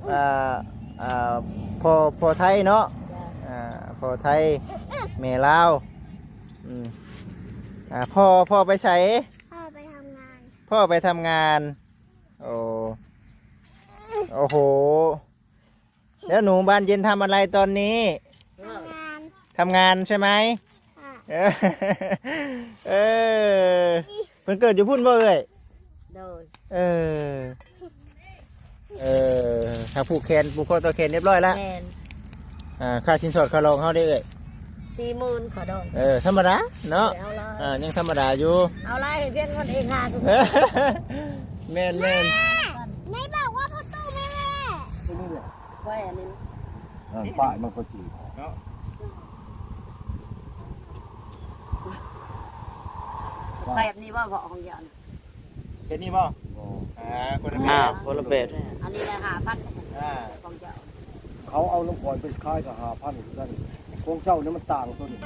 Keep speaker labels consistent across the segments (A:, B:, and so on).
A: อ่าอ่าพอไทยเนาะพอไทยแม่ลาวพ่อไปใส่
B: พ่อไปทำงาน
A: พ่อไปทำงานโอ้โหแล้วหนูบ้านเย็นทำอะไรตอนนี้ทำงานใช่ไหมเออเพิ่นเกิดอยู่พุ่นบ่เอ่ยถ้าผูกแขนผูกคอตัวแขนเรียบร้อยแล้วค่าสินสอดค่ารองเขาได้เอ่ย
B: 40,000ขอดอง
A: ธรรมดาเนาะยังธรรมดาอยู่
B: เอาไรเพี้ยนคนเองค่ะ
A: แม่น
B: ไม่บอกว่าพ่อตู้แม่
C: นี่แหละ
B: ไว้อันนี้
C: ป้ายมันก็จี
A: เนาะ
B: แบบนี้ว่าบอกของยัน
A: เป็นนี่บ่คนละแบบคนละแบบ
B: อันนี้นะ5,000ของเจ้า
C: เขาเอาลูกบอลไปค่ายกับ5,000กันของเจ้าเนี่ยมันต่างตัวนี้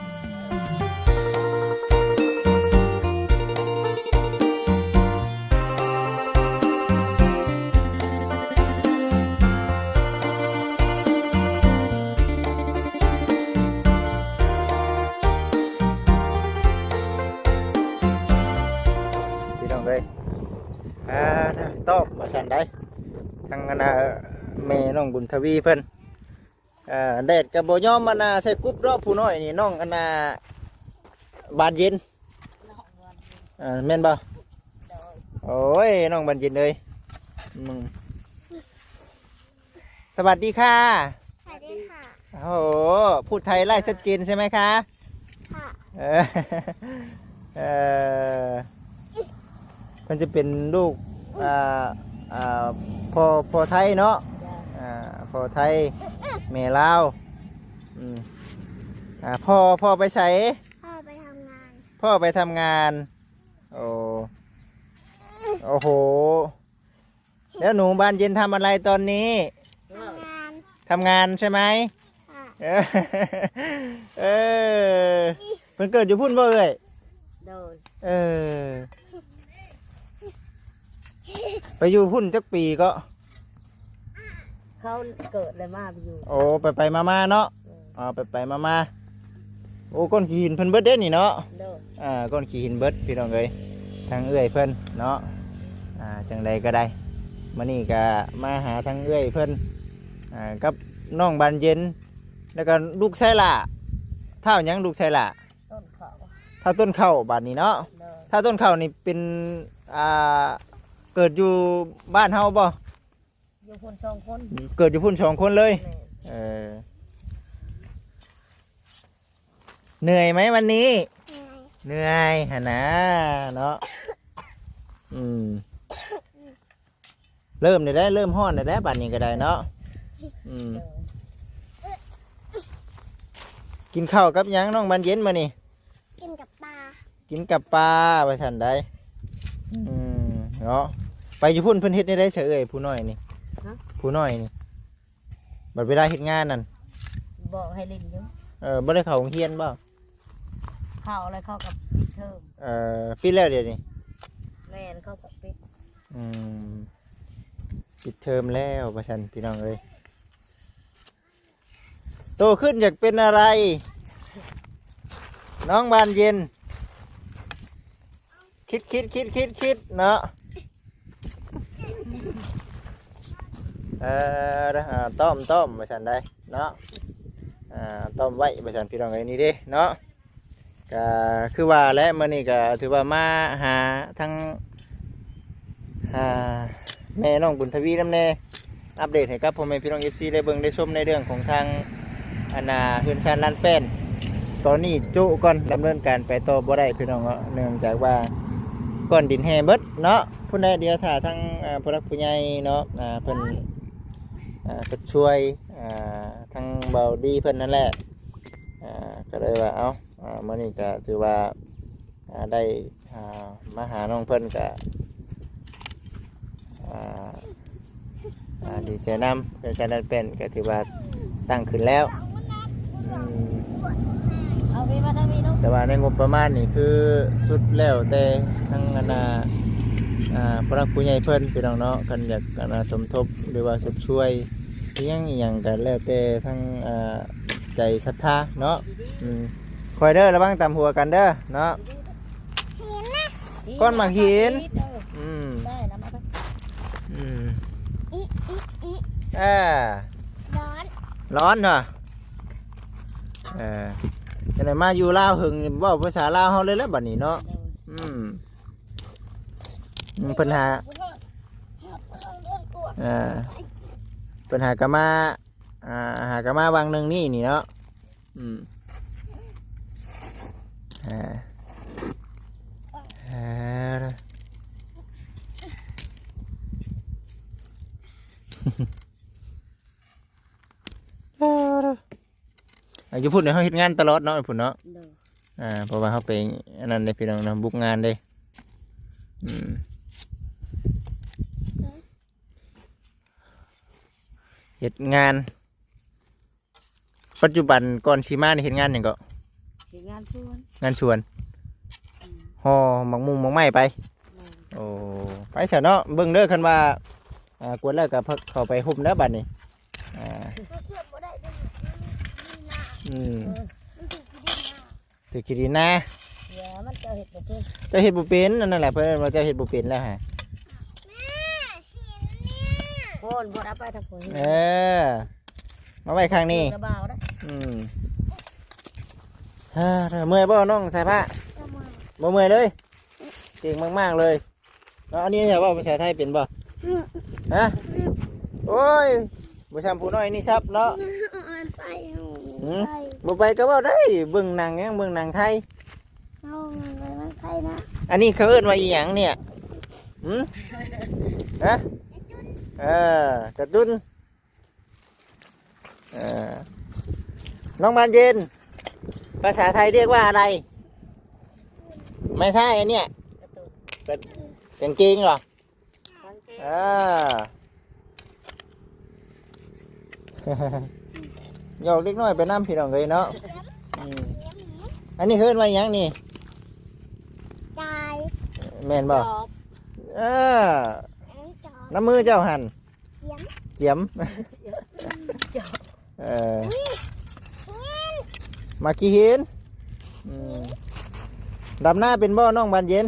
A: ตอบมาสั่นได้ทางแม่น้องบุญทวีเพิ่นแดดกับโบย่อมใส่กุ๊บรอบผู้น้อยนี่น้องบานเย็นแม่นบ่โอ้ยน้องบานเย็นเลยสวัสดีค่ะ
B: สวัสดีค่ะ
A: โอ้โหพูดไทยไล่ชัดเจนใช่ไหมคะ
B: ค่ะ
A: มันจะเป็นลูกพอไทยเนาะพอไทยแม่ลาวพ่อไปใส่
B: พ่อไปทำงาน
A: พ่อไปทำงานโอ้โหแล้วหนูบ้านเย็นทำอะไรตอนนี้ทำงานใช่ไหมเพิ่นเกิดอยู่พุ่นบ่เอ่ยไปอยู่พุ่นจักปีก็
B: เขาเกิดเลยมาไปอยู่
A: โอ้ไปมาเนาะไปมาโอ้ก้อนขี้หินเพิ่นเบิดเด้นี่เนาะก้อนขี้หินเบิดพี่น้องเอ้ยทางเอื้อยเพิ่นเนาะจังใดก็ได้มื้อนี้ก็มาหาทางเอื้อยเพิ่นกับน้องบานเย็นแล้วก็ลูกไส้ล่ะเท่ายังลูกไส้ล่ะ
B: ต้นข้าว
A: ถ้าต้นข้าวบานนี้เนาะถ้าต้นข้าวนี่เป็นเกิดอยู่บ้านเฮาบ่
B: อยู่พุ่น2 คน
A: เกิดอยู่พุ่น2 คนเลยเหนื่อยไหมวันนี้เหนื่อยหะนะเนาะเริ่มได้เริ่มฮ้อนได้บัดนี้ก็ได้เนาะกินข้าวกับยังน้องบานเย็นมานี่
B: กินกับปลา
A: ไปทันได้เนาะไปอยู่พุ่นเพิ่นเฮ็ดได้เฉยเอ่ยผู้น้อยนี่ผู้น้อยนี่บัดเวลาเฮ็ดงานนั่น
B: บอกให้เล่นอยู่
A: บ่ได้เข้าโรงเรียนบ่
B: เข้าอะไรเข้ากับเทอม
A: ปิดแล้วเดี๋ยวนี้
B: แม่นเข้ากับปิด
A: ปิดเทอมแล้วว่าซั่นพี่น้องเอ้ยโตขึ้นอยากเป็นอะไรน้องบานเย็นคิดเนาะต้มมาฉันได้เนาะต้มไว้มาฉันพี่น้องไอ้นี่ดิเนาะก็คือว่าและมื้อนี้ก็ถือว่ามาหาทั้งแม่น้องบุญทวีนำแน่อัปเดตให้กับพ่อแม่พี่น้อง FC ได้เบิ่งได้ชมในเรื่องของทางเฮือนชานลานแป้นตอนนี้จุก่อนดำเนินการไปต่อบ่ได้พี่น้องเนื่องจากว่าก้อนดินแห้เบิดเนาะผู้ใดเดียวถ้าทั้งผู้รักผู้ใหญ่เนาะเพิ่นช่วยทั้งเบาดีเพิ่นนั่นแหละก็เลยว่ามื้อนี้ก็ถือว่าได้มาหาน้องเพิ่นก็ดีใจนำเป็นการนั้นเป็นก็ถือว่าตั้งขึ้นแล้วแต่ว่าในงบประมาณนี่คือสุดแล้วแต่ทั้งผู้รักผู้ใหญ่เพิ่นพี่น้องเนาะกันอยากสมทบหรือว่าช่วยเลี้ยงอีหยังก็แล้วแต่ทั้งใจศรัทธาเนาะคอยเด้อระวังตามหัวกันเด้อเนาะก้อนหมากหิน
B: ได้นะมา
A: อืม
D: อีอีอี
A: ร้อน ร้อนเหรอจะไหนมาอยู่ลาวหึงเว่าภาษาลาวเฮาเลยแล้วบัดนี้เนาะปัญหาปัญหากะมาหากะมาวางหนึ่งนี่เนาะอยู่พุ่นเนี่ยเขาเฮ็ดงานตลอดเนาะพุ่นเนาะเพราะว่าเขาไปอันนั้นได้พี่น้องนะบุกงานได้เฮ็ดงานปัจจุบันก่อนสิมานี่เฮ็ดงานหยังก็
B: เฮ็ดงานชวน
A: งานชวนห่อหมักมุงหมักไม้ไปโอ้ไปซะเนาะเบิ่งเด้อคันว่ากวนแล้วก็เข้าไปห่มแล้วบัดนี้ถือขี้ดินนะ
B: เดี๋ยวมันจะเห็ดบ่เป็น
A: เจ้าเห็ดบุเป็นนั่นแหละเพื่อนว่าเจ้าเห็ดบุเป็นแล้วฮะ
B: โอนบ่เอาไปทางคน
A: มาไว้ข้างนี้
B: กระเบาได้
A: เมื่อยบ่น้องใส่ผ้าบ่เมื่อยเลยเก่งมากๆเลยแล้วอันนี้จะว่าภาษาไทยเป็นบ่ฮะโอ้ยบ่ซ้ำผู้น้อยนี่ซับเนาะบ่ไปก็บ่ได้เบิ่งหนังยังเบิ่งหนังไทยอันนี้เขาเอิ้นว่าอีหยังเนี่ยฮะกระตุ้นน้องบานเย็นภาษาไทยเรียกว่าอะไรไม่ใช่อันเนี้ยกางเกงเหรอหยอกเล็กน้อยไปน้ำพี่น้องเลยเนาะอันนี้เอิ้นว่าอีหยังนี่แม่นบ่น้ำมือเจ้าหันเจียมมากี่หินดำหน้าเป็นบ่น้องบานเย็น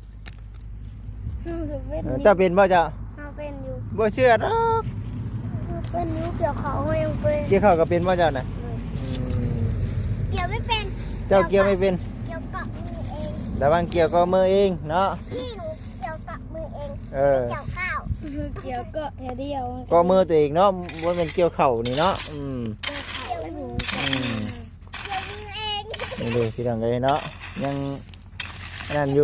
A: เจ้าเป็นบ่เจ้า
D: เป็นอยู่
A: บ่เชื่อหรอก
D: เป็นอยู่เกี่ยวเขาไม่ยังเป็น
A: เกี่ยวข้าวก็เป็นบ่เจ้าน่ะ
D: เกี่ยวไม่เป็น
A: เจ้าเกี่ยวไม่เป็น
D: เกี่ยวกับมือเอง
A: ระวังเกี่ยวก็มือเองเนาะ
D: พี่หนูเกี่ยวกับมือเอง
A: เออ
D: เกี่ยวข้าวเกี่ยวก็แค่เดียว
A: ก็มือตัวเองเนาะบ่เป็นเกี่ยวเข่านี่เนาะ
D: เกี่ยวมือเกี่ยวมือเอง
A: นี่เลยพี่น้องเลยเนาะยังนั่นอยู่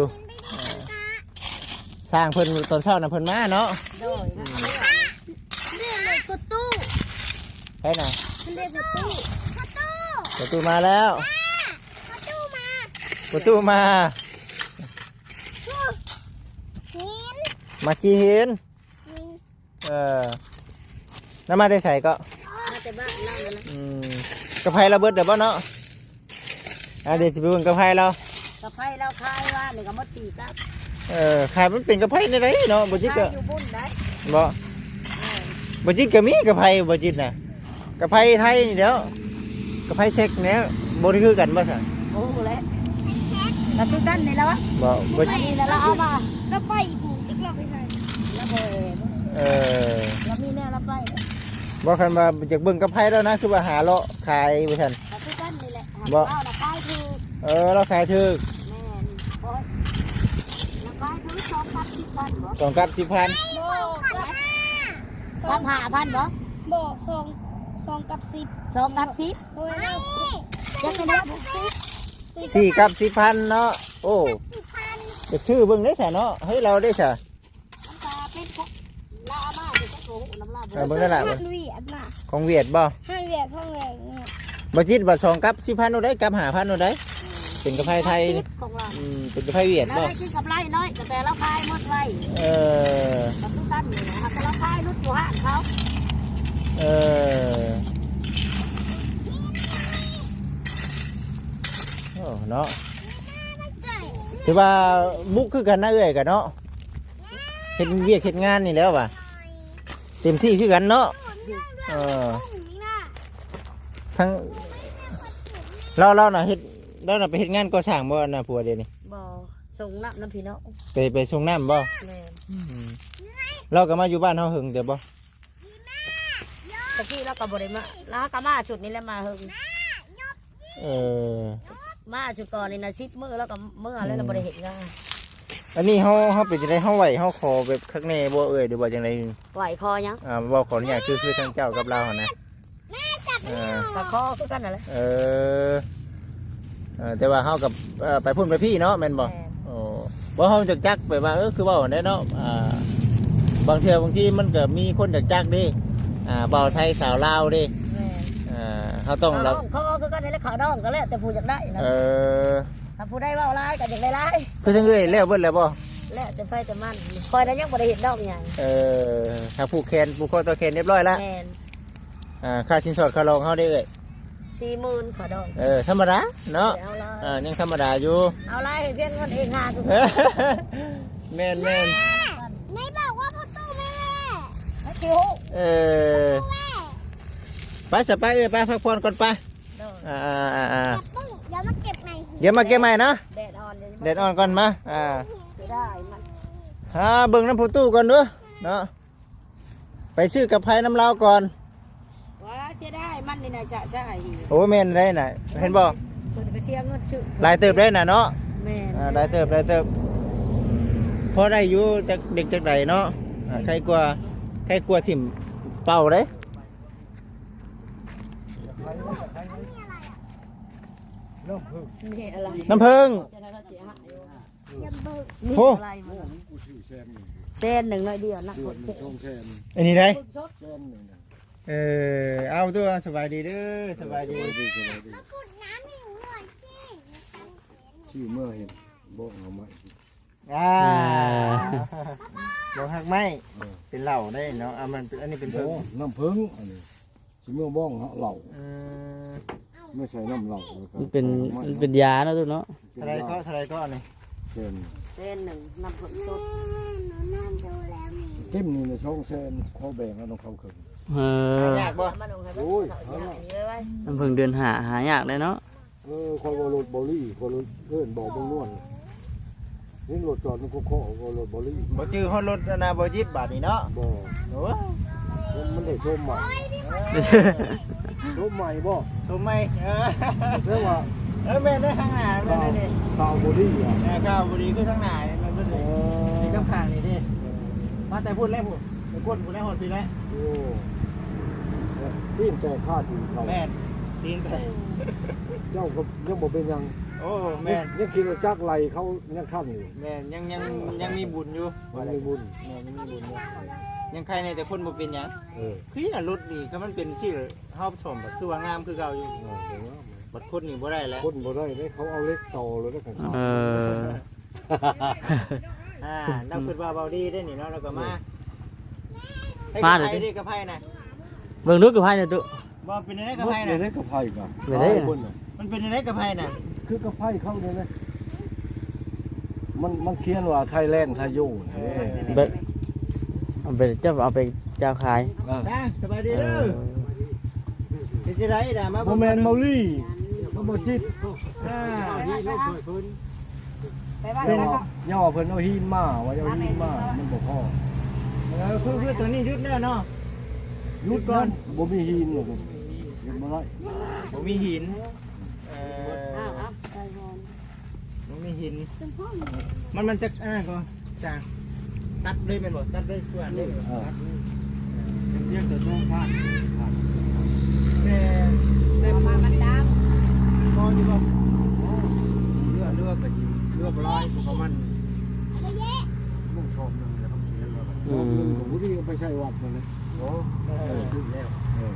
A: สร้างเพิ่นตอนเช้าน่ะเพิ่นมาเนาะ
B: โดย
D: เรียกเลยประตู
A: ใช่น่ะ
D: เรียกประตู
A: ประตูมาแล้ว
D: ประตูมา
A: ประตูมา
D: หิน
A: มาขี้หินน้ำมาได้ใส่ก็
B: มาแต่บ้านเราเลยนะ
A: กระไพเราเบิดเดี๋ยวบ่เนาะเดี๋ยวจะไปเบิ่งกระไพเรา
B: กระไพเราคายว่านี่ก็หมด4กับ
A: ขายมันเป็นกระไพในไรเนาะบ่จิต
B: คา
A: ก็
B: ยอยู่บุญได้
A: บ่จิตก็มีกระไพบ่จิตน่ะกระไพไทยนี่เดี๋ยวกระไพเช็คเนี่ยบ่ได้คือกันบ่ซั่น
B: โอ้โหแล้วแล้วคือกันนี่แล้ววะ
A: บ่
B: นี่แล้วเอามา
D: แล้วไปผูกจะกลับไปใส่
B: แล้วเบแล้วมีแนวรับไป
A: บ่คันว่าจากเบิ่งกระไพแล้วนะคือว่าหาเลาะขายบ่ซั่น
B: แล้วคือกันนี่แหละ
A: บ่
B: เอาละคายคือ
A: เราขายถึก
B: แม่นโอ้ยละคายคือ2กับ10,000บ่
A: 2กับ10,000
D: บอก
B: 35,000บ่
D: บอกสองกับ10
B: 2กับ10
D: โอ้ยเรา
B: จะไม่ได้
A: 4กับ10,000เนาะโอ้จะชื่อเบิ่งได้ซะเนาะเฮ้ยเราได้ซะ
B: น้ำตาเป็นพวกลามาเป็นโอ้น้ำลา
A: เบิ่งนั่นล่ะ
D: ฮันเวียดน่ะ
A: ของเวียดบ่
D: ฮันเวียดท่องแรงเนี่ย
A: บ่จิตบ่2กับ10,000เอาได้กับ5,000เอาได้เป็นกระไพไทย
B: ของเรา
A: เป็นกระไพเวียด
B: แล้ว
A: บ่
B: ได้กินกับไรน้อยแต่เราคายหมดไร กับทุกท่านนี่นะเราคายรุ่นหัวเขา
A: โอ้เนาะถือว่าบุกคือกันนะเอ้ยกันเนาะเฮ็ดเวียกเฮ็ดงานนี่แล้วว่ะเต็มที่คือกันเนาะ
D: ด้วย
A: เออทั้งเราน่ะเฮ็ดเราน่ะไปเฮ็ดงานก่อสร้างบ่น่ะผัวเดี๋ยวนี้
B: บ่ส่งน้ำพี่น้อง
A: ไปส่งน้ำบ่
B: แม่น
A: เราก็มาอยู่บ้านเฮาหึงเดี๋ยวบ่
B: ตะกี้เราก็บ่ได้มาแล้วก็มาชุดนี้แหล้วมาเฮิง
A: เออ
B: มาชุดก่อนนี่นะ10มื้อแล้วก็มื้อแล้วเราบ่ได้เฮ็ดงาน
A: อันนี้เฮาเป็นจังได๋เฮาไหวเฮาขอแบบคักแน่บ่เอ่ยหรือว่าจังได๋
B: ไหวคอยัง
A: บ่ขออนุญาตคือทางเจ้ากับเราหั่นนะเออ
B: ก็คอคือกันนั่นแหละ
A: เออแต่ว่าเฮากับไปพุ่นไปพี่เนาะแม่นบ่
B: แม่น
A: โอ้บ่เฮาจักไปว่าคือเว้าได้เนาะบางเทื่อบางทีมันก็มีคนจักดิเบาไทยสาวลาวดิ
B: แม่น
A: เฮาต้อง
B: เขา
A: เรา
B: คือกันนี่แหละเขาดองก็แล้วแต่ผู้อยากได้นะ
A: เออ
B: ถ้าผู้ได้เว้าหลายก็อยากได้หลาย
A: คือจังเอ้ยแล้วเบิดแล้วบ่
B: แล้วแต่ไฟแต่มันคอยได้ยังบ่ได้เฮ็ดดอกหยัง
A: ถ้าผูกแขนผูกคอต่อแขนเรียบร้อยแล้ว
B: แม่น
A: ค่าสินสอดค่ารองเฮาได้เอ้ย
B: 40,000เขาดอง
A: ธรรมดาเนาะ
B: เอาละ
A: ยังธรรมดาอยู่
B: เอาหลายให้เพียงเงินเองหาคือ
A: แม่น
D: ไม่บอกว่าพ่อตู้แม่
B: คิว
A: ไปสไปเอ้ยไปพักผ่อนก่อนไป
D: อย่าปึ้งเดี๋ยวมาเก็บใหม่
A: เดี๋ยวมาเก็บใหม่นะ
B: แดดอ่อนเลย
A: เด็ดอ่อนก่อนมา
B: สิได้มัน
A: เบิ่งน้ำผู้ตู้ก่อนเด้อเนาะไปซื้อกับไผ่น้ำลาวก่อน
B: ว่าเสียได้มันนี่น่ะจะใช่
A: โอ้แม่นได้น่ะเห็นบ่
B: เพิ่นก็เสียเงินซื้อ
A: หลายเติบได้น่ะเนาะ
B: แม่น
A: หลายเติบพอได้อยู่จากเด็กจากใดเนาะใครกลัวถิ่มเป่าเด้
C: น้ำพึ่ง
B: นี่อะไร
A: น้ำผึ้ง
B: จะได้เสียหายอยู่
D: อย่าเบิก
B: นี่
A: โอ้
B: อะไรมัน
C: กูชื่อแซม
B: เส้นหนึ่งน้อยเดียวนัก
C: เดื
B: ก
C: อน
B: ด
C: หนึ่งช่องแซม
A: อันนี้ได้
B: สด
C: แซมหนึ่งนะ
A: เอาตัวสบายดีเด้อสบายดี
C: สบายดี
D: ขุดน้ำให้หนูหน่อยสิ
C: ชื่อเมื่อเห็นบอกเอาไหม
A: บอกหักไม้เป็นเหล่าได้เนาะมันอันนี้เป็น
C: โอ้
A: เพิ่ง
C: น้ำพึ่งอันนี้ชื่อเมื่อบ้องเหล่า
A: อืม
C: ไม่ใช่น้ำเหล่า
E: มันเป็นยาเนาะทุกเนาะ
A: เท่าไรก็นี่
C: แซม
B: เส้นหนึ่งน้ำผึ้งสด
D: หนูนั่งดูแล้วมี
C: เต็มนี่ในช่องแซมข้อแบ่งแล้วต้องเข้าขึ้น
E: เออ
A: ยากบ่
B: มันลงให้
C: โอ้ย
B: เสียหายเยอะไว้
E: น้ำพึ่งเดือนหายากเลยเนาะ
C: คอยบอลรถบอลลี่คอยรถเลื่อนบอกบางนวลนี่รถจอดมันก็ข้อบอลรถบอลลี่
A: บ่จื้อฮอดรถนะบ่จิตบาทนี่เนาะ
C: บ่
A: โอ้
C: มันได้ส้มใหม่ส้มใหม่บ่
A: ชมไหม
C: เรียกว่า
A: แม่ได้ข้างหน้าแม่ได้นี่
C: ข้าวบอลลี่อ่ะ
A: ข้าวบุรีคือข้างหน้านี่มันเป็นนี่ข้างข้างนี่ดิมาแต่พูดแล้วพูดไปก้นพูดแล้วหดปีแล้ว
C: โอ้ตีนแต่ค่าถึงเขา
A: แม่ตีนแต่
C: เจ้าก็ยังบอกเป็นยัง
A: โอ้แม่
C: ยังคิดว่าจักไรเขายังทำอยู่
A: แม่ยังมีบุญอยู่
C: มันมีบุญ
A: แม่ยังมีบุญอยู่ยังใครในแต่คนบ่เป็นหยัง
C: เออ
A: คืออย่างรถนี่ถ้ามันเป็นชื่อเฮาชมแบบคือว่างามคือเก่าอยู่
C: เดี๋ยวว่า
A: บัดคนนี่บ่ได้แล้ว
C: คนบ่ได้เนี่ยเขาเอาเล็กต่อเลยนะของเขา
E: เออ
A: นักคิดว่าเบาดีได้นี่เนาะแล้วก็มาให้กับไผดิกับไผน่ะ
E: เบิ่งดูกับไพ่เนี่ยตุ
A: บ่เป็นได้กับ
C: เมื่
A: ไผ
C: อ
A: น่ะ
C: เล็กกับไผ่กัน
E: ไม่ได้นะ
C: คนน่ะ
A: มันเป็นได้กับไผน่ะ
C: คือกับไผ่เข้าเลยนะมันเขียนว่าไทยแลนด์ไทยโย่เนี่ย
E: เบิ่งเอาไปเจ้าขาย
A: จ้าสบายดีเด้อเป็นจังได๋ด่ามา
C: โมแมนเมาลี่ก็บ่จิต
B: ไปบ้าน
C: เป็น
B: แล้วก็
C: ย่อเพิ่นเอาหินมาว่าเอาหินมามันบ่พอ
A: คือตัวนี้ยุดแล้วเนาะ
C: ยุดก่อนบ่มีหินหรอกยุดบ่ได้
A: ผมมีหิน
B: อ้าวไปก่อน
A: ผมมีหินมันจะก็จ้าตัดเลยแม่นบ่ตัดเลยส่วนเลย
C: เรียกแต่ต้องพลาด
A: แต่
B: มามันด
A: พออยู่บ่
C: เลือกร้อยของมันมุ่งชมนึงแล้วต้องเขียนว่าชมนึงของผู้ที่ไปใช้วัดนั่นแหละโอ้ขึ้นแล้ว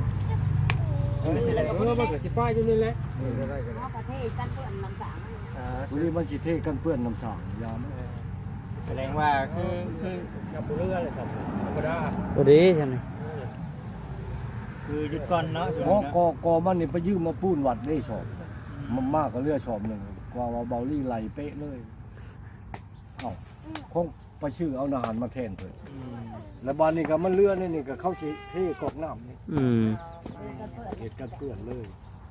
C: มันก็สิป้ายอยู่นี่แหละได้กัน
B: ำเอาประเทศกันเพื่อนลำสาง
C: ผู้ที่มันสิเทกันเปื้อนน้ำสางยาม
A: แสดงว่าคือ
C: ชาวเรืออะไรสัตว์ธรรมดา
E: ตัวดีใช่ไหม
A: คือยุดก่อนเนาะส่วน
C: อ๋อ
A: นี้
C: กอมันนี่ไปยืมมาปูนวัดได้สอบมันมากกว่าเรือสอบหนึ่งกว่าว่าเบาลี่ไหลเป๊ะเลยเอ้าคงไปชื่อเอาอาหารมาแทนเพิ่นแล้วบ้านนี้ก็มันเรือนี่ก็เข้าสิเทกอกน้ำนี่
E: อืม
C: เหตุการณ์เปื้อนเลย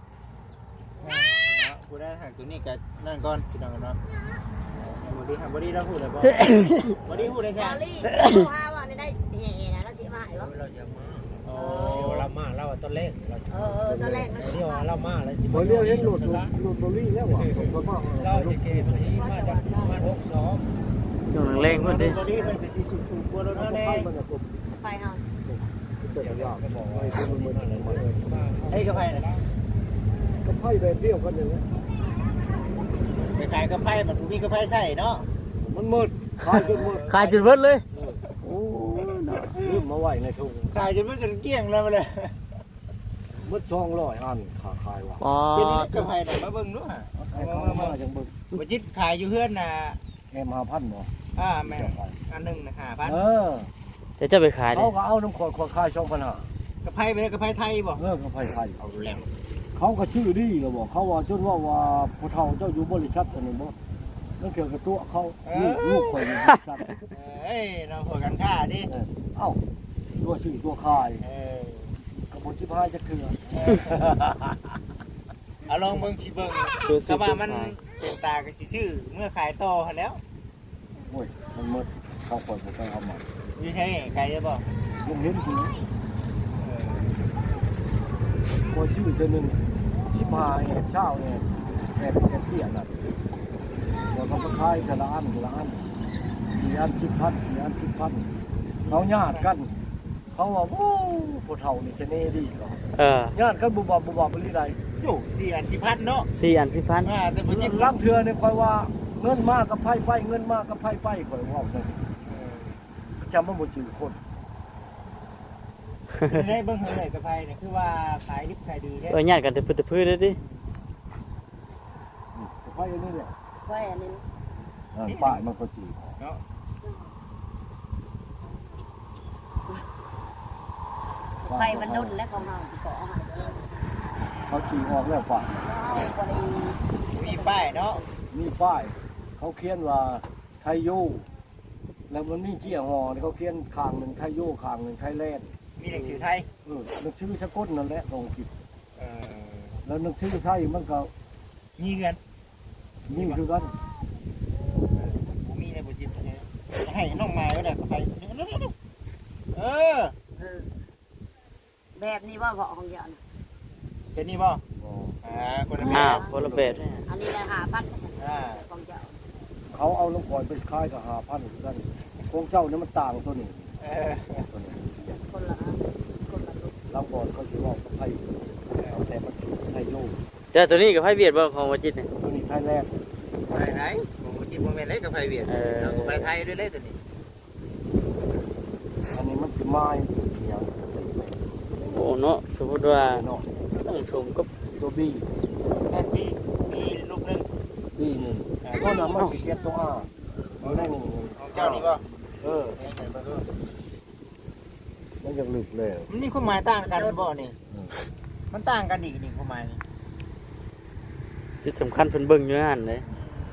A: กูได้หักตัวนี้กับนั่นก่อนพี่น้องเนาะบอดี้เราพูดเลยบ่บอดี้พูดได้ใช่
B: ลาลี่ว่าว่าได้แห่นะแล้วสิมาให้บ่
C: เราจะมา
A: อ๋อ
C: เสียวเรามาเราต้นเล่นเรา
B: ตอนแรกนะ
C: เดี๋ยวเรามาแล้วสิบ่เรียกเห็นหลุดโรลี่แล้วว่ะผมว่าเราสิเกมนี้มาจากมา62
E: ช่วงเร่งเพิ่นดิ
A: บอดี้เป็นสีสูงกว่าเราแน่
B: ไปเฮา
C: เดี๋ยวเราก็บอกว่าเป็นมืออะไรมาเลยมา
A: ไอ้กระไพนะ
C: ก็ไพ่แบบเดียวกันเลย
A: ไปขายกระไพมันมีกระไพใส่เนาะ
C: มันมืดขายจนมืด
E: ขายจุดเบิดเลยโอ้
C: ลืมมาไหวในทุ่ง
A: ขายจนมันจนเกลี้ยงแล้วมาเลย
C: มืด200อันขาขายว่ะ
E: อ๋อ
A: เป็นกระไพไหนมาเบิ่งด้วย
C: ไอ้เขามาจังบึก
A: บจิตขายอยู่เพื่อนน่ะ
C: แอม5,000บ่
A: แม่อันหนึ่งนะ5,000
C: เออ
E: แต่จะไปขายดิ
C: เขาก็เอาน้ำขวดขาย2,500
A: กระไพไปกระไพไทยบ่
C: เลิกกับไผ่ไทย
A: เอาแล้ว
C: เขาก็ชื่อดีก็บอกเขาว่าจนว่าผู้เฒ่าเจ้าอยู่บริษัทอันนี้บ่นั่นเกี่ยวกับตัวเขาลูกข่อยอยู่บริษัท
A: เอ้ยเราหัวกันค่าดิ
C: เอ้าตัวชื่อตัวขาย
A: เออก
C: ระบวนชิพายจะเกลือ
A: เอาลองเบิ่งสิเบิ่งแต่ว่ามันเป็นตาก็สิชื่อเมื่อขายต่อหั่นแล้ว
C: โอ้ยมันหมดเขาข่อยบ่ไปเอามา
A: อยู่ใช่ขายได้บ่
C: ลุงเห็นกูข่อยชื่อเจ้านึงชิพายเช้าเนี่ยแอบเตี้ยน่ะแล้วก็มาขายแต่ละอัน4 อัน 10,000 4 อัน 10,000เขาญาติกัน เขาว่าโอ้ผู้เฒ่านี่เสน่ห์ดีก็ ญาติกันบุบบ่บ่บ่ได้
A: อยู่4 อัน 10,000เนาะ
E: 4 อัน10,000
A: แต่บ่จิต
C: ลังเทือเนี่ยคอยว่าเงินมากกับไพ่ไปเงินมากกับไพ่ไปคอยว่าเลยจำมันบ่จืดคน
A: ได้เบิ่งเท่าไหร่กระไพเนี่ยคือว่าขายดิบขายดีแท้
E: ญาติกันแต่พื้นเลยดิ
C: ไพ่อันนี้เนี่ย
B: ไว้อันนี้
C: ป้ายมันก็จืด
A: เนาะ
B: ไปมันนุ่นและของเฮาสิขอให้
C: เขาจืดออกแล้วป้าย
B: เฮาบ่ได้
A: มีป้ายเนาะ
C: มีป้ายเขาเขียนว่าไทยโยแล้วมันมีเจียหอเขาเขียนข้างหนึ่งไทยโยข้างหนึ่งไทยแลนด์
A: มีหนังสือไทย
C: นึกชื่อสกุลนั่นแหละลองคิด
A: เออ
C: แล้วนึกชื่อไทยมันก็
A: มีเงิน
C: นี่คือกัน
A: ผมมีในบุจิตให้น้องไม้ก็ได้กระไพเออ
B: แบบนี้ว่าของเดียว
A: เป็นนี่บ่คนละแบ
E: คนละแบบ
B: อันนี้ราคา1,000ของเจ้า
C: เขาเอาลูกก่อยไปขายกับ5,000กันของเจ้านี่มันต่างตัวนี้
B: คนละคนละ
C: ลำก่อนเขาถือว่าไทยแต่มันไทยโย
E: แต่ตัวนี้กับไผเวียดบ่ของวจิตเนี่ย
C: ตัวนี้ไทยแลนด์
A: ไหนผมบุจิตโมเมนต์เล็กกับไพเวียดเรากับไพไทยด้วยเล็กตัวนี้
C: อันนี้มันคือไม้เนี่ย
E: โอ้เนาะสมมุติว่า
C: เนาะ
E: ต้องชมกับ
C: ตัวบี
A: แม่ปีมีลูกนึง
C: บีหนึ่งก็นำมันสิเก็ตตัวเอาได้หนึ่ง
A: ของเจ้านี่บ่
C: มันยังลึกเลย
A: มันมีความหมายต่างกันบ่นี่มันต่างกันอีกนี่ความหมายนี่
E: จุดสำคัญเพิ่นเบิ่งอยู่นั่นเลย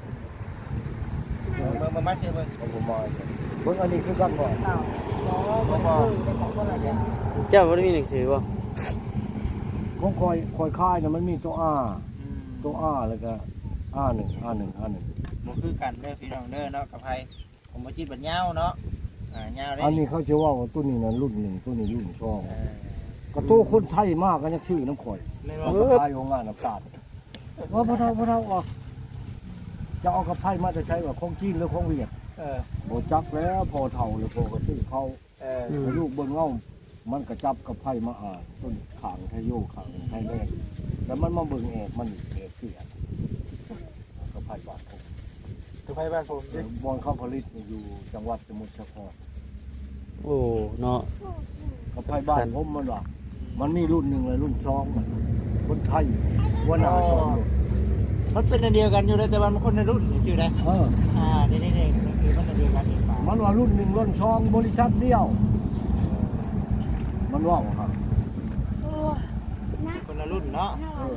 A: มันมาเชื่อเบิ่ง
C: เอาผมมาเบิ่งอันนี้คือกันบ่
B: เก่าบ่บ่ได้ของคนละเดียว
E: เจ้าบ่ได้มีหนังสือบ่
C: ของคอยค่ายน่ะมันมีตัวแล้วก็A1
A: บ่คือกันเด้อพี่น้องเด้อเนาะกับไพผมบุจิตบัดยาวเนาะยาวได้
C: อันนี้เขาจะว่าตัวนี้น่ะรุ่น1ตัวนี้รุ่น2ก็ตัวคนไทยมากก็ยังชื่อน้ำข่อย
A: ไม่
C: เอา
A: บ่
C: กระไพของงานน้ำตาลว่าพระเท่าออกจะเอากระไพมาจะใช้ว่าของจีนหรือของเวียดโบจักแล้วพอเท่าหรือพอกระชื่อเขาลูกเบิ้งเงามันกระจับกระไพมาต้นขางไทยโยขางไทยแลนด์แล้วมันมาเบิ้งเอกมันเอกเสียกระไพบ้านผม
A: กับไพบ้านผม
C: บอนเข้าผลิตอยู่จังหวัดสมุทรสาคร
E: โอ้เนาะ
C: กระไพบ้านผมมันว่ามันมีรุ่น1เลยรุ่น2มันคนไทยว่าหน้า2รุ่น
A: มันเป็นอันเดียวกันอยู่เลยแต่ว่ามันคนในรุ่นชื่อได้นี่คือมันอันเดียวกันอีกป่า
C: มันว่ารุ่น1รุ่น2บริษัทเดียวมันว่าครับ
A: คนละรุ่นเนาะ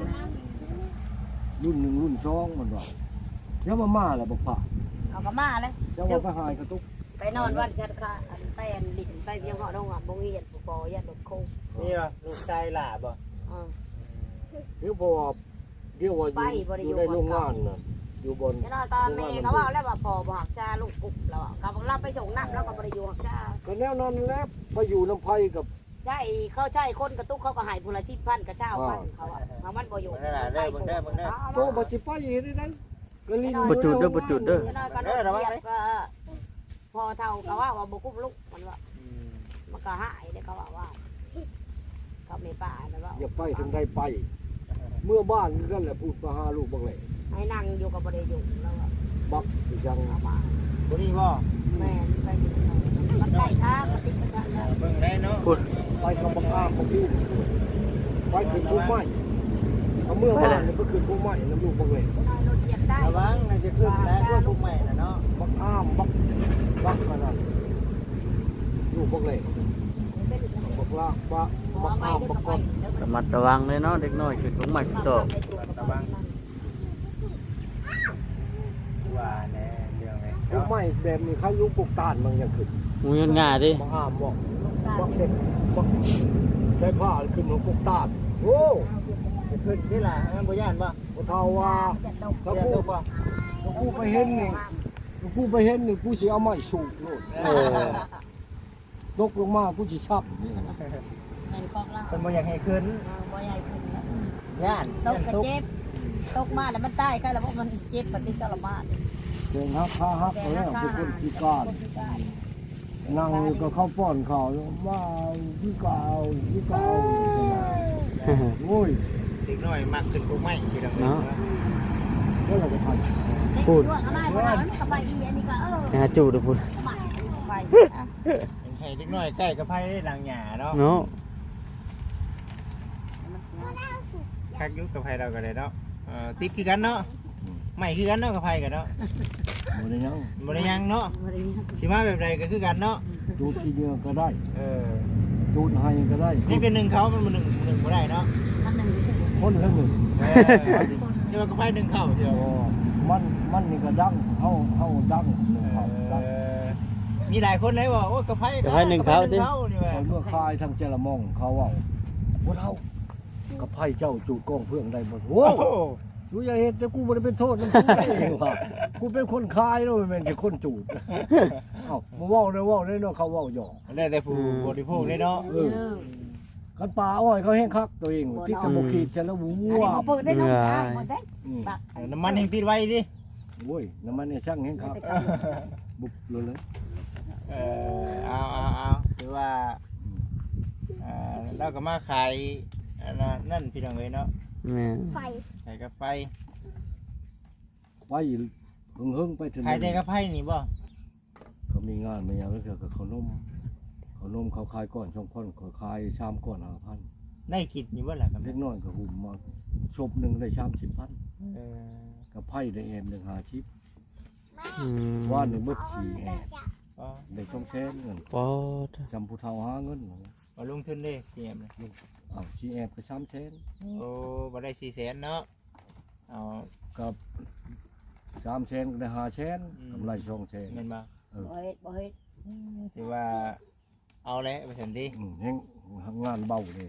C: รุ่น1รุ่น2มันว่าเดี๋ยวมาแล้วบอกผ่า
B: เอาก็มาเลย
C: เดี๋ยวว่าไปหายกระตุก
B: ไปนอนวันชัดค่ะอันไปอันดินไปเพียงเหาะน้องอ่ะบ่มีเหตุบ่พอยัดรถโค้ง
A: นี่บ่ลูกชายหล่าบ่
C: เดี๋ยวพอเดี๋ยวว่าอยู่ในโรงงานน่ะอยู่บน
B: แล้วตอนแม่ก็ว่าแล้วว่าพอบ่หักจ้าลูกกุ๊กแล้วก็รับไปส่งน้ำแล้วก็บ่ได้อยู่หักจ้า
C: ก็แนวนั้นแล้วไปอยู่น้ำไผกับ
B: ใช่เขาใช่คนกระตุกเขาก็ให้ผู้ละ10,000กับ20,000เขาอ่ะมันบ่อยู่
C: โตบ่สิไปอีกได้ก็ลิ้น
E: บ่จุดเด้อบ่จุดเด้อ
B: ก็พอเท่าก็ว่าบ่กุ้มลูกมันว่ามันก็หายได้เขาว่าเขาไม่ป่าแล้วว่า
C: อย่าไปถึงได้ไป เมื่อบ้านนั่นแหละพูดมาหาลูกบังเลย
B: ให้นั่งอยู่กับบ่ได้อยู่แล้วก็
C: บักสิยัง
B: เอามา
A: บ่นี่บ่
B: แม่ไปมันได้ทางมันติดกันแล้ว
A: เบิ่งได้เนาะ
E: พูด
C: ไปกับบักอ้ามบักยูไปขึ้นภูไม้เอาเมื่อบ้านนี่ก็ขึ้นภูไม้น้ำลูกบังเลย
B: รถเหยียบได้
A: ระวังน่าจะขึ้นแล้วก็ทุกใหม่น่ะเนาะ
C: บักอ้ามบักขนาดลูกบังเลยบักลากบักอ้ามบักก้อน
E: ระมัดระวังเลยเนาะเด็กน้อยขึ้นของใหม่โต
A: ว่าแน่เรื่องไง
C: ภูไม้แบบนี้เขาอยู่ปลูกตานมันยังขึ้น
E: หมูยนง่าดิ
C: บักอ้ามบักเด็กบักใช้ผ้าขึ้นของปลูกตานโอ้
A: จะขึ้นที่ล่ะงั้นบ่ย่านบ่
C: บ่เท่าว่าถ้า
A: ย่านตกบ่
C: กูไปเห็นนี่กูไปเห็นนี่กูสิเอาไม้สูบโลดตกลงมากูสิชับ
B: แม่นกองล่าง
A: เพิ่นบ่อยากให้ขึ้น
B: บ่ใหญ่ขึ้นแล้ว
A: ย่าน
B: ตกกระเจ็บตกมาแล้วมันตายใครแล้วมันเจ็บปฏิจารมา
C: เดินฮักข้าฮักแล้วเป็นคนพิการนั่งอยู่ก็เข้าป้อนข้าวว่าพี่กาวโอ้ย
A: เด็กน้อยมักขึ้นทุกใหม่พี่น้อง
E: เนาะ
C: ก็เราจะท
E: พูด
B: อะไรมันก็ไปอีอันนี้ก็
E: หาจูเด้อพูด
B: ไป
A: ให้เด็กน้อยใกล้กับไผหลังหญ้าเนาะ
E: เนาะ
A: คักอยู่กับไผเราก็ได้เนาะติดคือกันเนาะใหม่คือกันเนาะกับไผกันเนาะ
C: ำบ่ได้ยัง
A: บ่ได้ยังเนาะสิมาแบบใดก็คือกันเนาะ
C: จูดที่เดียวก็ได้ จูดให้ก็ได้
A: นี่เป็นหนึ่งเขามันหนึ่งบ่ได้เนาะ
C: คนละหนึ่ง
A: จะมากับไผหนึ่งเข้าเดียว
C: มันนี่ก็ดังเฮาดังหนึ่งเขาดัง
A: มีหลายคนเลยว่าโอ้กับไผนี่ว่า
C: เมื่อคายทางเจรมองเขาว่าบ่เท่ากับไผ่เจ้าจูดกองเพื่องได้บ่โอ้
A: โอ้
C: กูอย่าเห็นแต่กูบ่ได้เป็นโทษมันกูเองว่ะกูเป็นคนคายแล้วมันเป็นแค่คนจูดเอ้ามาเว้าได้เนาะเขาเว้าหยอก
A: แล้วแต่ผู้บริโภคเลยเนาะ
C: กันป่าอ้อยเขาแห้งคักตัวเองที่จะบ่ขีดจะแล้ววั
B: อันนี้
C: ว
B: เขาเปิดได้น้องชายหมดได้ ตัก
A: น้ำมันแห่งติดไว้ดิ
C: โอ้ยน้ำมันเนี่ยช่างแห้งคักบุบเลย
A: เอาคือว่าเราก็มาขายนั่นพี่น้องเลยเนาะ
E: แม่
D: ไฟ
A: ขายกาแฟ
C: ไปหึงไปถึง
A: ขายแต่กาแฟนี่บ่
C: เขามีงานมาอย่างนั้นกับเขานมเขาขายก่อนช่องพ่อนเขาขายชามก่อน5,000
A: ได้กินอยู่บ่ล่ะกับ
C: เล็กน้อยก็หุ่มมาชบหนึ่งได้30,000กับไผ่ได้แอมหนึ่ง50ว่าหนึ่งเบิด4แอมได้ช่องแสนเงิน
E: ปอด
C: จำผู้เฒ่าหาเงิน
A: มาลงทุนเลยเสียมเลย
C: 4แอมก็3แสน
A: โอ้บ่ได้400,000เนาะเอา
C: กับ3แสนก็ได้5แสนกำไร2แสน
A: เงินมา
B: บ่เฮ็ดบ่เฮ็ด
A: ถือว่าเอาแล้วไปสันติ
C: แห้งงานเบาเลย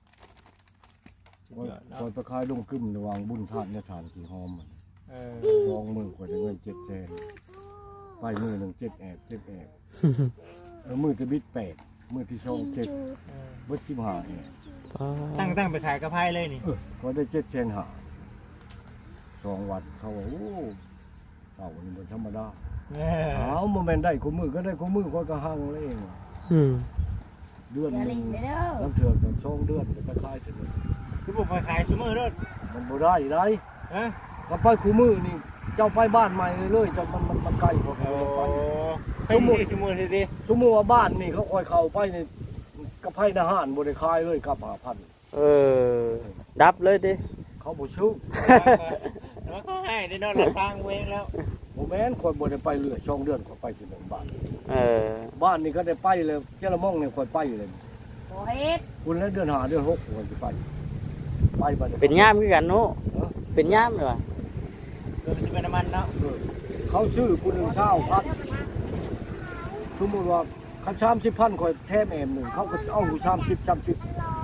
C: คอยไปขายดงกึ่มระวังบุญทานเนี่ยทานที่หอม20,000กว่าได้เงิน7แสนไปมือหนึ่ง7แอบมือจะบิด8มือที่ช่อง7เบิด15แอบ
E: ปอด
A: ตั้งไปขายกาแฟเลยนี่
C: ก็ได้7แสนหา2 วันเขาว่าโอ้เต่านี่มันธรรมดาโมเมนต์ได้คู่มือก็ได้คู่มือก็หังเลยเอง เดือน
B: อย่า
C: นึ
B: ลิ
C: ง
B: งเด้อ
C: น้ำเถื่อนกับช่องเดือนก็คล้ายๆกัน
A: คือผมไปขายชั่วโมงรถ
C: มันบ่ได้ไร
A: ฮะ
C: ก็ไปคู่มือนี่เจ้าไปบ้านใหม่เลยเจ้ามันไกลกว่าเขาไป
A: ไปสี่ชั่วโมงสิดิ
C: สมมุติว่าบ้านนี่เขาคอยเข้าไปนี่กระไพทหารบ่ได้คายเลยกับ
E: ดับเลยติ
C: เขาบ่ซื้อ
A: แล้วก็ให้ได้นอนหลับทางเวงแล้ว
C: บ่แม่นคนบ่ได้ไปเรื่อยช่องเดือนก็ไปที่หนึ่งบ้าน
E: บ้า
C: บ้านนี่ก็ได้ไปเลยเจ้าละม่องนี่ค่อยไปเลย
B: บ่เฮ็ด
C: คุณแล้วเดือน5เดือน6คนสิไปบัด
E: เป็นย่ามคือกันเนาะเป็นย่ามเลยว่ะ
A: เกิดจะเป็นน้ำมันเนาะ
C: เขาซื้อคุณ1,000,000 สมมุติว่าคัน30,000ข่อยแถมแอมหนึงเขาก็เอาอยู่30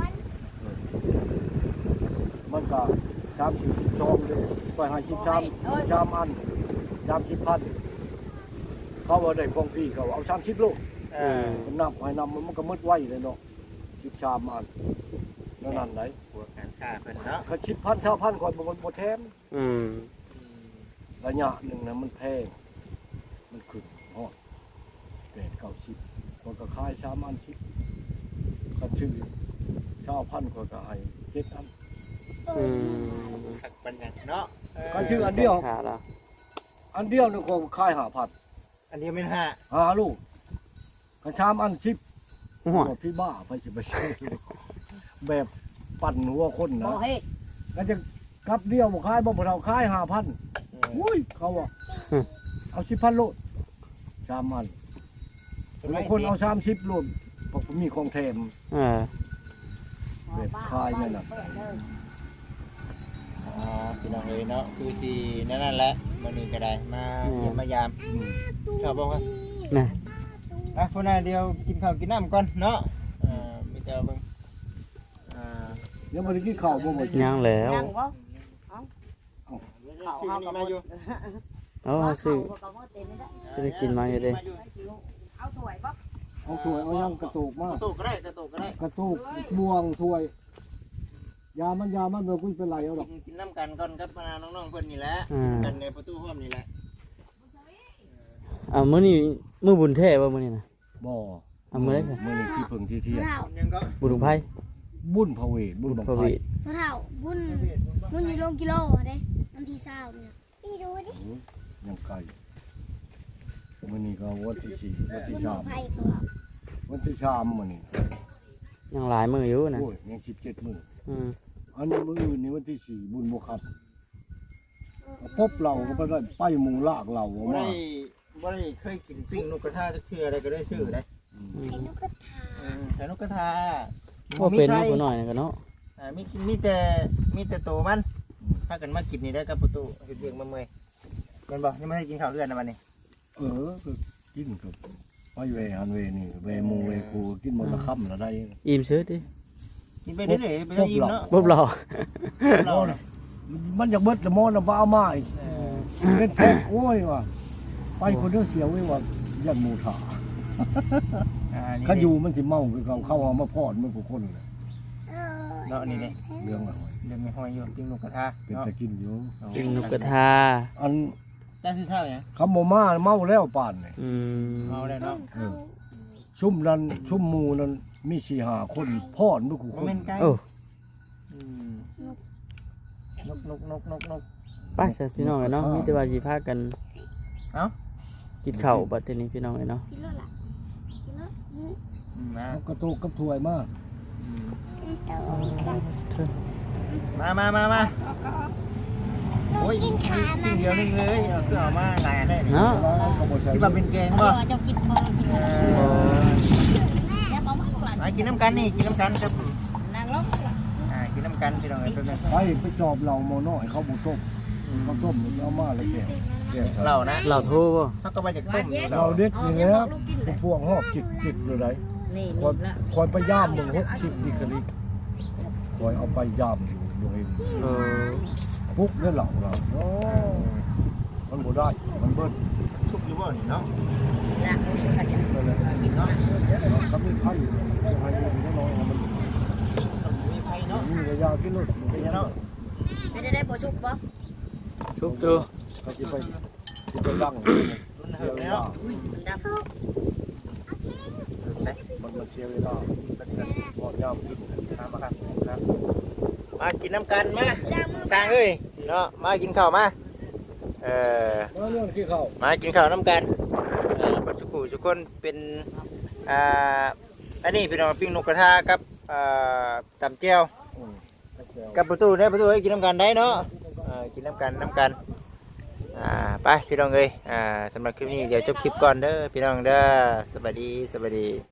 C: มันก็30 12เลยข่อยให้13อัน30,000เขาว่าได้ของพี่เขาเอา30โล มันนับให้นำมันก็มืดไวเลยเนาะ13อันนั่นไหน
A: พวกการค้าเพิ่นเนาะ
C: เขา10,000 20,000ก่อนบ่แถม
E: อืม
C: ระยะหนึงนะมันแพงมันขึ้นฮอด8-90คนก็ขาย3อัน10คันชื่อ20,000คนก็ให้7,000
E: อืม
A: คักปัญญาเนาะ
C: ก็ชื่ออันเดียว
E: ขาแล้ว
C: อันเดียวนึงก็ขาย5,000
A: อันเดียวไม่ห้า
C: ลูกคัน3อัน10
E: หัว
C: ว่าพี่บ้าไปสิไปซื้อแบบปั่นหัวคนนะ
B: บ่เฮ็ด
C: ก็จะกลับเดียวบ่ขายบ่เราขาย5,000อุ้ยเขาว่าเอา10,000โลด3อันบางคนเอา30โลดเพราะมีของแถม แบบคายนั่นน่ะ
A: อ๋อพี่น้องเอ้ยเนาะคือสินั่นแหละมื้อนี้ก็ได้มาเยี่ยมมายาม
C: อืม
A: ชอบบ่ครับ
E: น่ะ
A: อ่ะพุ่นน่ะเดี๋ยวกินข้าวกินน้ำก่อนเนาะมีแต่เบิ่ง
C: ยังบ่ได้กินข้าวบ่หมด
E: ยังแล้ว
B: ยังบ่
A: เขาเฮาก็มาอยู่
E: เอาซื้อซื้อกินมาอยู่เด้
B: เอาถ้วยบ่
C: เอาถ้วยเอายังกระตุกมาก
A: ระตุกก็ได้กระตุกก็ได้
C: กระตุกบ่วงถ้วยยามันบ่คุยเป็นไรเอาดอก
A: กินน้ำกันก่อนครับน้องๆเพิ่นนี่แหละกันในประตูห้องนี่แหละ
E: มื้อนี้มื้อบุญแท้บ่มื้อนี้น่ะ
C: บ่
E: มื้อใด
C: มื้อนี้ที่เพิ่งที่เที่ยง
A: ยังก็
E: บุญของไผ
C: บุญพระเวทบุญบัง
E: พระ
C: ไฟ
E: วิ
D: พ่อเฒ่าบุญอยู่โลกิโลเด้วันที่20เนี่ยพี่ดูดิ
C: ยังไกลมื้อนี้ก็วันที่4วัน
D: บุ
C: ที่
D: ญของไผก็ว่า
C: 3วันที่3มื้อนี้
E: ยังหลายมื้ออยู่น่ะ
C: โอ้ยยัง17มื้อ
E: อืม
C: อันนี้มื้ออื่นนี่วันที่4บุญบ่ครับพบเราก็บ่ได้ไปหมู่ลากเราออก
A: บ่
C: มา
A: ได้เคยกินปิ้งนกกระทาจักเทื่ออะไรก็ได้ซื้อได้
D: ไอ้นกกระทา
A: แต่นกกระทา
E: บ่เป็นน้อยหน่อยนะก็เนาะ
A: มีแต่โตมันพากันมากินนี่ได้กับประตูเฮ็ดเวียงมาเมื่อยแม่นบ่ยังไม่ได้กินข้าวเรือนนะวันนี้
C: ก็กินกับไปเวหันเวนี่เวหมู่เวกูกินหมดละค่ำละได้
E: อิ่มซื้อดิ
A: กินไปเรื่อยๆไปได้อิ่มเนาะ
E: บ่รอ
A: เราน่ะ
C: มันอยากเบิดละมอนละบ่เอามาอีกเป็นแพ็คโอ้ยว่ะไปคนเดียวเสียวไว้ว่ายันหมู่ถา
A: นี่
C: เขาอยู่มันสิเมาคือเขาเข้าเอามาพอดมันผู้คนเลย
A: เนาะนี่นี่
C: เรื่องอะไร
A: เรื่องมีหอยอยู่ปิ้งนกกระทา
C: เป็น
A: เนาะ
C: ตะกินอยู่
E: กินนกกระทา
C: อัน
A: จ้าซื้อข้าวยัง
C: คำบ่มาเมาแล้วป่านนี่
E: อืม
A: เอาได้เนาะ
C: ชุ่มนั้นชุ่มหมู่นั้นมี4-5คนพอดมันผู้ค
A: บ่
C: น
A: แม่นไก่
E: โอ้
A: นก
E: ไปซะพี่น้องเอ้ยเนาะมีแต่ว่าสิพากัน
A: เอ้า
E: กินข้าวบัดนี้พี่น้องเอ้ยเนาะ
D: กินแล้วล่ะกินแล้ว
A: มา
C: เอากระตุกกับถ้วยมา
A: มาโอ้ย
D: กินขามั
A: ปิ้
D: น
A: งเดียวนึงเลยเอาคือเอามาหลายอันได้นี่
E: เนาะ
C: แล้วก็บ่ใช่
A: ที่ว่าเป็นแกงบ่
B: เจ้ากินบ่กิน
A: เอ
B: บ่
A: อ
B: แล้วบ่มาหลาน
A: มากินน้ำกันนี่กินน้ำกันครับ
B: นางลง
A: กินน้ำกันพี่น้องเอ้ยเพิ่น
C: ไปจอบเราหมอน้อยเขาบ่ต้มเขาต้มเอามาแล้วแก่
A: เหล้านะ
E: เราโทรบ่
A: เขาก็มาจากต้มนี่
C: เราเด็ดนี่แหละพวกหอบจิกเลยได้
B: นี่
C: คอยไปย่ามมึง60ดิคลิกคอยเอาไปย่ามอยู่เอง
E: เออ
C: ปุ๊กได้เหล่าเราโอ้มันบ่ได้มันเบิ้ล
A: ชุบอยู่บ่นี่เนาะ
B: ละกันจะ
C: นั่นแหละ
B: กินเนาะ
C: ทำให้ไผ่ให้มันน้อยมัน
A: มีไผเนาะ
C: มีระยะกินรถ
A: เป็นเนาะ
B: ไม่ได้บ่ชุบบ่
E: ชุบตัว
C: ก็สิไปย่าง
A: มันเหิบแล้ว
B: มันดำ
C: มันเสียเวลาพอย่ามกิน
A: มาครับมากินน้ำกันมาสร้างเอ้ยเนาะมากินข้าวมา
C: เรื่องที่เขา
A: มากินข้าวน้ำกันปัจจุบันทุกคนเป็นอันนี้เป็นปิ้งนกกระทากับตำเจียวกับประตูเนี่ยประตูให้กินน้ำกันได้เนาะกินน้ำกันไปพี่น้องเอ้ยสำหรับคลิปนี้เดี๋ยวจบคลิปก่อนเด้อพี่น้องเด้อสวัสดี